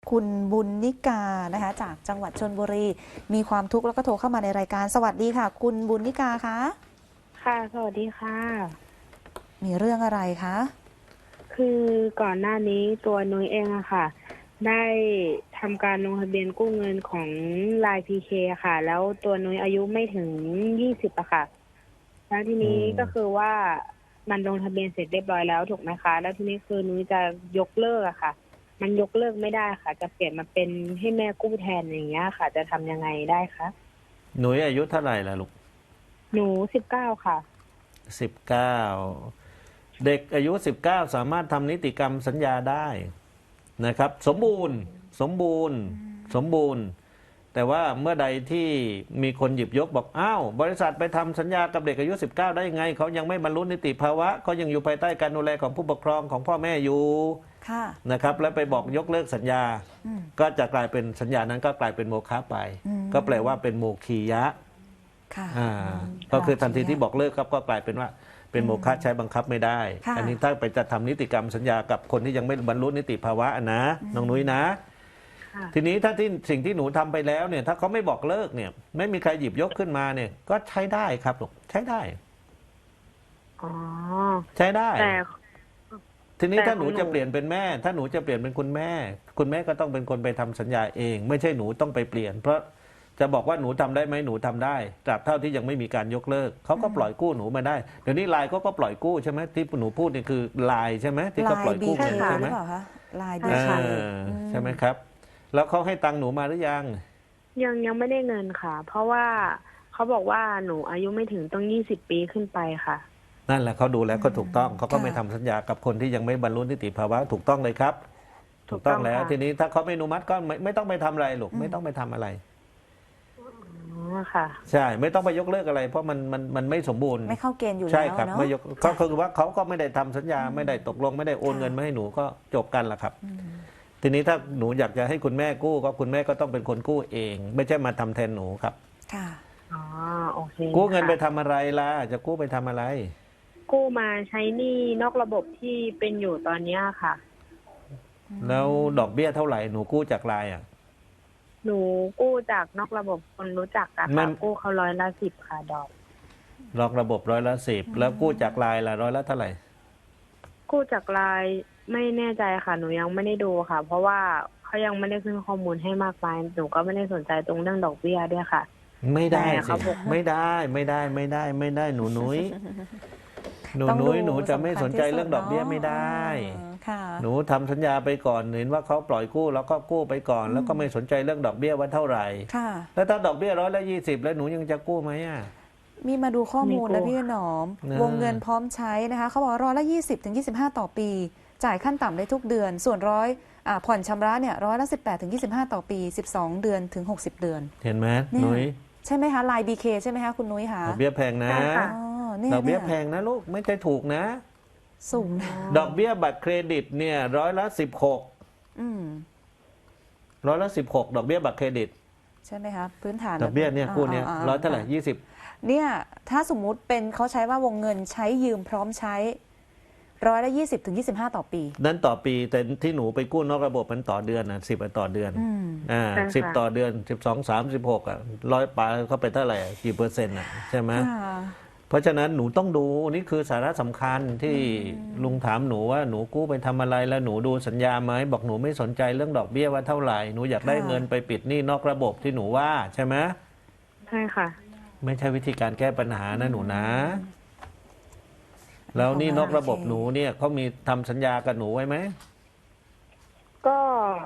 คุณบุญนิกานะคะจากจังหวัดชลบุรีมีความทุกข์แล้วก็โทรเข้ามาในรายการสวัสดีค่ะ คุณบุญนิกาคะค่ะสวัสดีค่ะมีเรื่องอะไรคะคือก่อนหน้านี้ตัวนุ้ยเองอะค่ะได้ทำการลงทะเบียนกู้เงินของ LINE PK ค่ะแล้วตัวนุ้ยอายุไม่ถึง20อะค่ะแล้วทีนี้ก็คือว่ามันลงทะเบียนเสร็จเรียบร้อยแล้วถูกไหมคะแล้วทีนี้คือนุ้ยจะยกเลิกอะค่ะมันยกเลิกไม่ได้ค่ะจะเปลี่ยนมาเป็นให้แม่กู้แทนอย่างเงี้ยค่ะจะทำยังไงได้คะหนูอายุเท่าไหร่ล่ะลูกหนู19ค่ะ 19เด็กอายุ19สามารถทำนิติกรรมสัญญาได้นะครับสมบูรณ์สมบูรณ์สมบูรณ์แต่ว่าเมื่อใดที่มีคนหยิบยกบอกอ้าวบริษัทไปทำสัญญากับเด็กอายุ19ได้ยังไงเขายังไม่บรรลุนิติภาวะเขายังอยู่ภายใต้การดูแลของผู้ปกครองของพ่อแม่อยู่นะครับแล้วไปบอกยกเลิกสัญญาก็จะกลายเป็นสัญญานั้นก็กลายเป็นโมฆะไปก็แปลว่าเป็นโมคียะก็คือทันทีที่บอกเลิกครับก็กลายเป็นว่าเป็นโมฆะใช้บังคับไม่ได้อันนี้ถ้าไปจะทำนิติกรรมสัญญากับคนที่ยังไม่บรรลุนิติภาวะนะน้องนุ้ยนะทีนี้ถ้าที่สิ่งที่หนูทำไปแล้วเนี่ยถ้าเขาไม่บอกเลิกเนี่ยไม่มีใครหยิบยกขึ้นมาเนี่ยก็ใช้ได้ครับลูกใช้ได้ใช้ได้ทีนี้ถ้าหนูจะเปลี่ยนเป็นแม่ถ้าหนูจะเปลี่ยนเป็นคุณแม่คุณแม่ก็ต้องเป็นคนไปทำสัญญาเองไม่ใช่หนูต้องไปเปลี่ยนเพราะจะบอกว่าหนูทำได้ไหมหนูทำได้ตราบเท่าที่ยังไม่มีการยกเลิกเขาก็ปล่อยกู้หนูมาได้เดี๋ยวนี้ไลน์ก็ปล่อยกู้ใช่ไหมที่หนูพูดนี่คือไลน์ใช่ไหมที่เขาปล่อยกู้เงินใช่ไหมไลน์บีเคใช่ไหมครับแล้วเขาให้ตังค์หนูมาหรือยังไม่ได้เงินค่ะเพราะว่าเขาบอกว่าหนูอายุไม่ถึงต้อง20 ปีขึ้นไปค่ะนั่นแหละเขาดูแล้วก็ถูกต้องเขาก็ไม่ทำสัญญากับคนที่ยังไม่บรรลุนิติภาวะถูกต้องเลยครับถูกต้องแล้วทีนี้ถ้าเขาไม่อนุมัติก็ไม่ต้องไปทำอะไรลูกไม่ต้องไปทำอะไรค่ะใช่ไม่ต้องไปยกเลิกอะไรเพราะมันไม่สมบูรณ์ไม่เข้าเกณฑ์อยู่แล้วใช่ครับไม่ยกก็คือว่าเขาก็ไม่ได้ทำสัญญาไม่ได้ตกลงไม่ได้โอนเงินมาให้หนูก็จบกันละครับทีนี้ถ้าหนูอยากจะให้คุณแม่กู้ก็คุณแม่ก็ต้องเป็นคนกู้เองไม่ใช่มาทำแทนหนูครับค่ะอ๋อโอเคกู้เงินไปทำอะไรล่ะจะกู้ไปทำอะไรกู้มาใช้หนี้นอกระบบที่เป็นอยู่ตอนนี้ค่ะแล้วดอกเบี้ยเท่าไหร่หนูกู้จากไลน์หนูกู้จากนอกระบบคนรู้จักกันค่ะกู้เขา10%ค่ะดอกนอกระบบ10%แล้วกู้จากไลน์ละละเท่าไหร่กู้จากไลน์ไม่แน่ใจค่ะหนูยังไม่ได้ดูค่ะเพราะว่าเขายังไม่ได้ขึ้นข้อมูลให้มากมายหนูก็ไม่ได้สนใจตรงเรื่องดอกเบี้ยด้วยค่ะไม่ได้สิไม่ได้หนูนุ้ยหนูจะไม่สนใจเรื่องดอกเบี้ยไม่ได้หนูทำสัญญาไปก่อนเห็นว่าเขาปล่อยกู้แล้วก็กู้ไปก่อนแล้วก็ไม่สนใจเรื่องดอกเบี้ยว่าเท่าไหร่แล้วถ้าดอกเบี้ย120แล้วหนูยังจะกู้ไหมมีมาดูข้อมูลแล้วพี่หนอมวงเงินพร้อมใช้นะคะเขาบอก120 ถึง 25ต่อปีจ่ายขั้นต่ำได้ทุกเดือนส่วนผ่อนชำระเนี่ย18 ถึง 25ต่อปี12 เดือนถึง60 เดือนเห็นไหมนุ้ยใช่ไหมคะไลน์บีเคใช่ไหมคะคุณนุ้ยคะดอกเบี้ยแพงนะดอกเบี้ยแพงนะลูกไม่ใช่ถูกนะสูงนะดอกเบี้ยบัตรเครดิตเนี่ย16%16%ดอกเบี้ยบัตรเครดิตใช่ไหมคะพื้นฐานดอกเบี้ยเนี่ยกู้เนี่ยเท่าไหร่20 เนี่ยถ้าสมมุติเป็นเขาใช้ว่าวงเงินใช้ยืมพร้อมใช้120 ถึง 25ต่อปีนั้นต่อปีแต่ที่หนูไปกู้นอกระบบมันต่อเดือนนะ10ต่อเดือน10ต่อเดือน12 36100ปลายเข้าไปเท่าไหร่กี่เปอร์เซ็นต์ใช่ไหมเพราะฉะนั้นหนูต้องดูนี่คือสาระสำคัญที่ลุงถามหนูว่าหนูกู้ไปทำอะไรแล้วหนูดูสัญญาไหมบอกหนูไม่สนใจเรื่องดอกเบี้ยว่าเท่าไหร่หนูอยากได้เงินไปปิดหนี้นอกระบบที่หนูว่าใช่ไหมใช่ค่ะไม่ใช่วิธีการแก้ปัญหานะหนูนะแล้วนี่นอกระบบหนูเนี่ยเขามีทำสัญญากับหนูไว้ไหมก็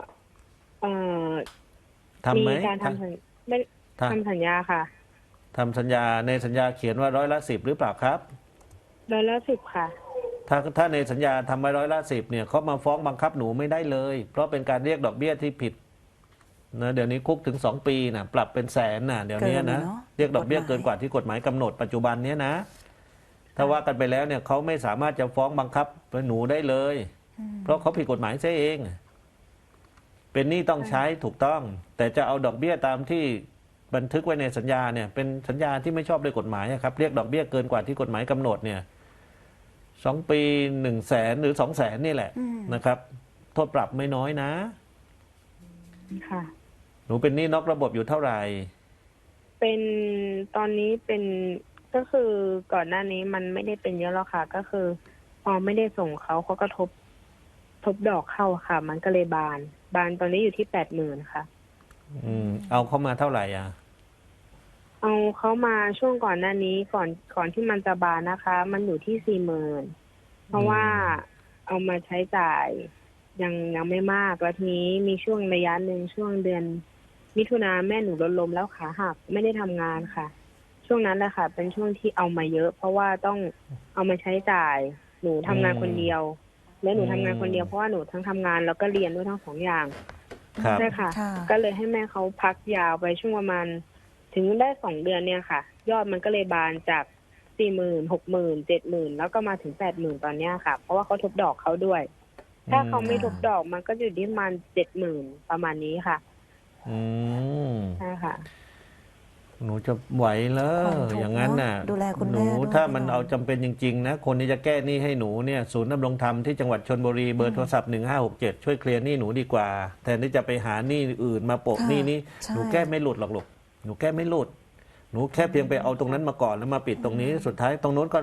มีการทำสัญญาค่ะทำสัญญาในสัญญาเขียนว่า10%หรือเปล่าครับ 10%ค่ะถ้าในสัญญาทำไว้10%เนี่ยเขามาฟ้องบังคับหนูไม่ได้เลยเพราะเป็นการเรียกดอกเบี้ยที่ผิดนะเดี๋ยวนี้คุกถึง2 ปีนะปรับเป็นแสนนะเดี๋ยวนี้นะเรียกดอกเบี้ยเกินกว่าที่กฎหมายกำหนดปัจจุบันนี้นะถ้าว่ากันไปแล้วเนี่ยเขาไม่สามารถจะฟ้องบังคับหนูได้เลยเพราะเขาผิดกฎหมายซะเองเป็นหนี้ต้องใช้ถูกต้องแต่จะเอาดอกเบี้ยตามที่บันทึกไว้ในสัญญาเนี่ยเป็นสัญญาที่ไม่ชอบด้วยกฎหมายครับเรียกดอกเบี้ยเกินกว่าที่กฎหมายกำหนดเนี่ย2 ปี100,000หรือ200,000นี่แหละนะครับโทษปรับไม่น้อยนะค่ะหนูเป็นหนี้นอกระบบอยู่เท่าไหร่เป็นตอนนี้เป็นก็คือก่อนหน้านี้มันไม่ได้เป็นเยอะหรอกค่ะ ก็คือพอไม่ได้ส่งเขาก็ทบดอกเข้าค่ะ มันก็เลยบานตอนนี้อยู่ที่80,000ค่ะเอาเข้ามาเท่าไหร่อ่ะเอาเขามาช่วงก่อนหน้านี้ก่อนที่มันจะบานนะคะ มันอยู่ที่40,000เพราะว่าเอามาใช้จ่ายยังไม่มากแล้วทีนี้มีช่วงระยะหนึ่งช่วงเดือนมิถุนาแม่หนูรถล้มแล้วขาหักไม่ได้ทำงานค่ะ ช่วงนั้นแหละค่ะ เป็นช่วงที่เอามาเยอะ เพราะว่าต้องเอามาใช้จ่ายหนูทำงานคนเดียว และหนูทำงานคนเดียวเพราะว่าหนูทั้งทำงานแล้วก็เรียนด้วยทั้งสองอย่างครับใช่ค่ะค่ะก็เลยให้แม่เขาพักยาวไปช่วงประมาณถึงได้2 เดือนเนี่ยค่ะ ยอดมันก็เลยบานจาก40,000 60,000 70,000แล้วก็มาถึง80,000ตอนเนี้ยค่ะ เพราะว่าเขาทบดอกเขาด้วย ถ้าเขาไม่ทบดอกมันก็อยู่ที่ประมาณ70,000ประมาณนี้ค่ะอืมใช่ค่ะหนูจะไหวเหรอความทุกข์อย่างนั้นน่ะเนอะดูแลคุณหแม่นูด้วยถ้ามันพี่หนอมเอาจำเป็นจริงๆนะคนที่จะแก้หนี้ให้หนูเนี่ยศูนย์ดำรงธรรมที่จังหวัดชลบุรีเบอร์โทรศัพท์1567ช่วยเคลียร์หนี้หนูดีกว่าแทนที่จะไปหาหนี้อื่นมาโปะค่ะหนี้นี้ใช่หนูแก้ไม่หลุดหรอกลูกหนูแก้ไม่หลุด หนูแค่เพียงไปเอาตรงนั้นมาก่อนแล้วมาปิดตรงนี้สุดท้ายตรงโน้นก็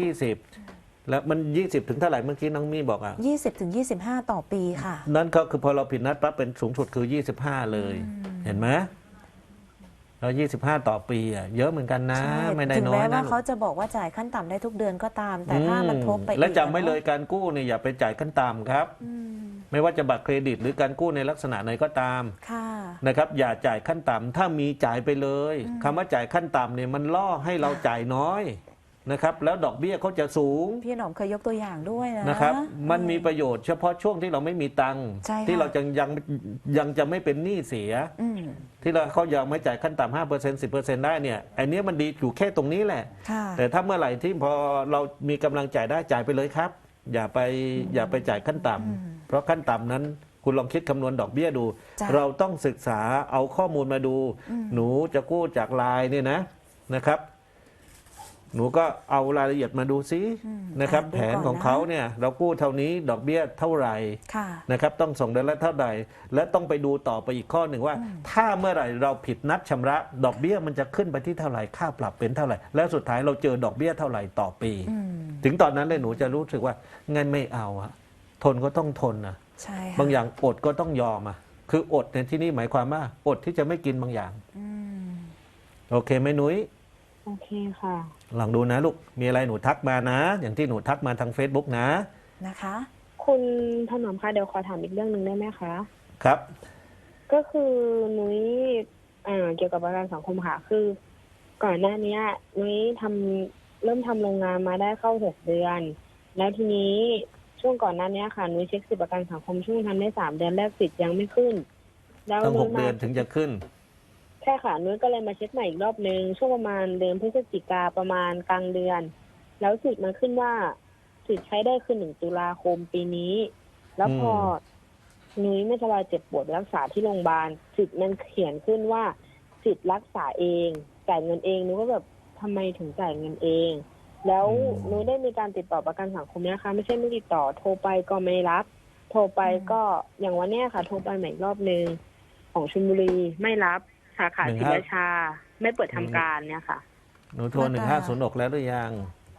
120แล้วมัน20ถึงเท่าไหร่เมื่อกี้น้องมี่บอกอ่ะ 20ถึง25ต่อปีค่ะนั่นก็คือพอเราผิดนัดปั๊บเป็นสูงสุดคือ25เลย เห็นไหมแล้ว25ต่อปีอ่ะเยอะเหมือนกันนะใช่ไม่ได้ถึงน้อยแม้นะว่าเขาจะบอกว่าจ่ายขั้นต่ำได้ทุกเดือนก็ตาม แต่ถ้ามันทบไปอีกและจำไว้เลยการกู้เนี่ยอย่าไปจ่ายขั้นต่ำครับอืมไม่ว่าจะบัตรเครดิตหรือการกู้ในลักษณะไหนก็ตามค่ะนะครับ อย่าจ่ายขั้นต่ำถ้ามีจ่ายไปเลยคำว่าจ่ายขั้นต่ำเนี่ยมันล่อให้เราจ่ายน้อยนะครับ แล้วดอกเบี้ยเขาจะสูงพี่หนอมเคยยกตัวอย่างด้วยนะนะครับ มันมีประโยชน์เฉพาะช่วงที่เราไม่มีตังค์ใช่ค่ะที่เรายังจะไม่เป็นหนี้เสียอืมที่เราเขายังไม่จ่ายขั้นต่ำ5% 10%ได้เนี่ยไอ้เนี้ยมันดีอยู่แค่ตรงนี้แหละค่ะแต่ถ้าเมื่อไหร่ที่พอเรามีกำลังจ่ายได้จ่ายไปเลยครับ อย่าไปจ่ายขั้นต่ำเพราะขั้นต่ำนั้นคุณลองคิดคำนวณดอกเบี้ยดูจ้ะเราต้องศึกษาเอาข้อมูลมาดู หนูจะกู้จากไลน์เนี่ยนะครับ หนูก็เอารายละเอียดมาดูซินะครับดูแผนก่ของเขาเนี่ยเรากู้เท่านี้ดอกเบี้ยเท่าไหร่ค่ะนะครับต้องส่งเดือนละเท่าใดและต้องไปดูต่อไปอีกข้อหนึ่งว่า ถ้าเมื่อไหร่เราผิดนัดชำระ ดอกเบี้ยมันจะขึ้นไปที่เท่าไหร่ค่าปรับเป็นเท่าไหร่แล้วสุดท้ายเราเจอดอกเบี้ยเท่าไหร่ต่อปีอืมถึงตอนนั้นเลยหนูจะรู้สึกว่างั้นไม่เอาอะทนก็ต้องทนนะใช่ค่ะบางอย่างอดก็ต้องยอมอะคืออดในที่นี้หมายความว่าอดที่จะไม่กินบางอย่างอืมโอเคไหมหนุ้ยโอเคค่ะลองดูนะลูกมีอะไรหนูทักมานะ อย่างที่หนูทักมาทาง Facebook นะนะคะคุณถนอมคะเดี๋ยวขอถามอีกเรื่องหนึ่งได้ไหมคะครับก็คือนุ้ยเกี่ยวกับประกันสังคมค่ะ คือก่อนหน้านี้นุ้ยเริ่มทำโรงงานมาได้เข้า6 เดือน แล้วทีนี้ช่วงก่อนหน้านี้ค่ะนุ้ยเช็คสิทธิประกันสังคมช่วงทำได้3 เดือนแรกสิทธิ์ยังไม่ขึ้น แล้วต้องนุ้ย 6 เดือนถึงจะขึ้นใช่ค่ะนุ้ยก็เลยมาเช็คใหม่อีกรอบนึงช่วงประมาณเดือนพฤศจิกาประมาณกลางเดือน แล้วสิทธิ์มันขึ้นว่าสิทธิ์ใช้ได้คือ1 ตุลาคมปีนี้ แล้วพอนุ้ยไม่สบายเจ็บปวดรักษาที่โรงพยาบาลสิทธิ์มันเขียนขึ้นว่าสิทธิ์รักษาเองจ่ายเงินเองนุ้ยก็แบบทำไมถึงจ่ายเงินเอง แล้วนุ้ยได้มีการติดต่อประกันสังคมนะคะไม่ใช่ไม่ติดต่อโทรไปก็ไม่รับ โทรไปก็อย่างวันเนี้ยค่ะ โทรไปใหม่อีกรอบนึงของชลบุรีไม่รับสาขาศรีราชาไม่เปิดทำการเนี่ยค่ะหนูโทร1506แล้วหรือยัง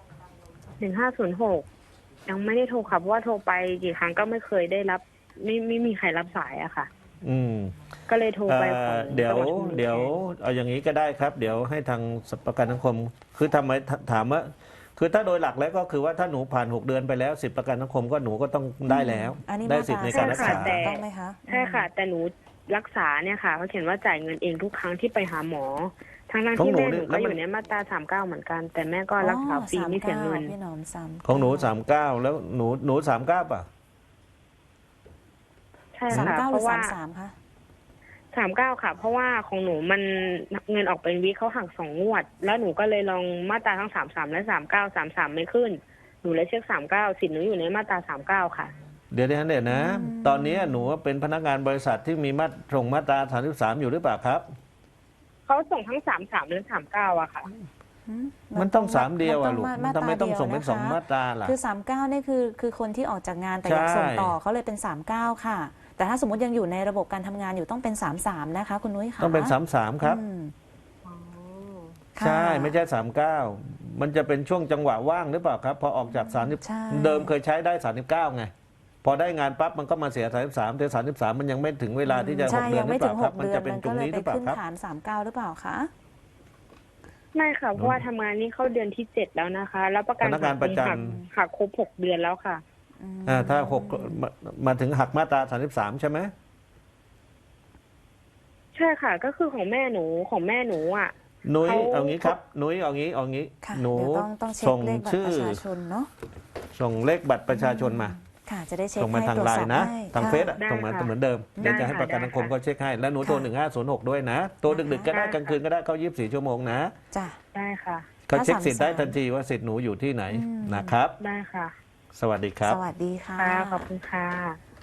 1506ยังไม่ได้โทรค่ะเพราะว่าโทรไปกี่ครั้งก็ไม่เคยได้รับ ไม่มีใครรับสายอะค่ะอืมก็เลยโทรไปของเดี๋ยวจังหชลบุรีเดี๋ยวเอาอย่างนี้ก็ได้ครับ เดี๋ยวให้ทางประกันสังคม คือทำไมถามว่า คือถ้าโดยหลักแล้วก็คือว่าถ้าหนูผ่าน6 เดือนไปแล้วสิทธิประกันสังคมก็หนูก็ต้องได้แล้วอันนี้ได้มาสิทธิ์ในตราการรักษาแต่ต้องไหมคะใช่ค่ะ แต่หนูรักษาเนี่ยค่ะเขาเขียนว่าจ่ายเงินเองทุกครั้งที่ไปหาหมอทั้งที่แม่หนูก็อยู่ในมาตรา39เหมือนกัน แต่แม่ก็รักษาฟรีไม่เสียเงินพี่หนอม39 ของหนู39แล้วหนู39ป่ะใช่สามค่ะเก้าหเพรือราะว่า 33คะ 39ค่ะ เพราะว่าของหนูมันเงินออกเป็นวิเขาหัก2 งวด แล้วหนูก็เลยลองมาตราทั้ง33และ39 33ไม่ขึ้นหนูเลยเช็ค39สิทธิ์หนูอยู่ในมาตรา39ค่ะเดี๋ยวนะ ตอนนี้หนูเป็นพนักงานบริษัทที่มีมาตรา33อยู่หรือเปล่าครับเขาส่งทั้ง33และ39อะค่ะมันต้อง3เดียวอ่ะลูกมาทำไมต้องส่งเป็นดียวะคะ 2 มาตราล่ะคือ39นี่คือคนที่ออกจากงานแต่อยากใช่ส่งต่อเขาเลยเป็น39ค่ะแต่ถ้าสมมติยังอยู่ในระบบการทำงานอยู่ต้องเป็น33นะคะคุณนุ้ยค่ะต้องเป็น33ครับอืมอ๋อค่ะใช่ไม่ใช่39มันจะเป็นช่วงจังหวะว่างหรือเปล่าครับพอออกจากใช่ 30เดิมเคยใช้ได้39ไงพอได้งานปั๊บมันก็มาเสีย33แต่33มันยังไม่ถึงเวลาที่จะใช่ 6 เดือยันงหรืไม่อเปถึล่าง ครับ 6 มันเดือจะนเป็นมันตรก็งเลยนี้ไปหรือเปล่าขึ้นครับฐาน39หรือเปล่าคะไม่ค่ะเพราะว่าทำงานนี้เข้าเดือนที่7แล้วนะคะ แล้วประกันพนักงานประจำหักครบ6 เดือนแล้วค่ะถ้า6มาถึงหักมาตรา33ใช่ไหมใช่ค่ะ ก็คือของแม่หนูอ่ะนุ้ยเขาเอางี้ครับนุ้ยเอางี้ค่ะหนูเดี๋ยวต้องเช็คส่งเลขบัตรชื่อประชาชนเนาะส่งเลขบัตรประชาชนมาค่ะจะได้เช็คส่งมาให้ทางตรวจไลสอบน์นะให้ทางค่ะเฟซอะได้ส่งมาค่ะเหมือนเดิมเดี๋ยวได้จะให้ค่ะประกันสังคมได้ค่ะเขาเช็คให้ แล้วหนูโทรค่ะ 1506ด้วยนะ ตัวดึกๆก็ได้ได้ค่ะกลางคืนก็ได้เข้า24 ชั่วโมงนะจ้ะได้ค่ะเขาเช็คสิทธิ์ได้ถ้า33 ทันทีว่าสิทธิ์หนูอยู่ที่ไหนอืมนะครับได้ค่ะสวัสดีครับสวัสดีค่ะค่ะ ขอบคุณค่ะ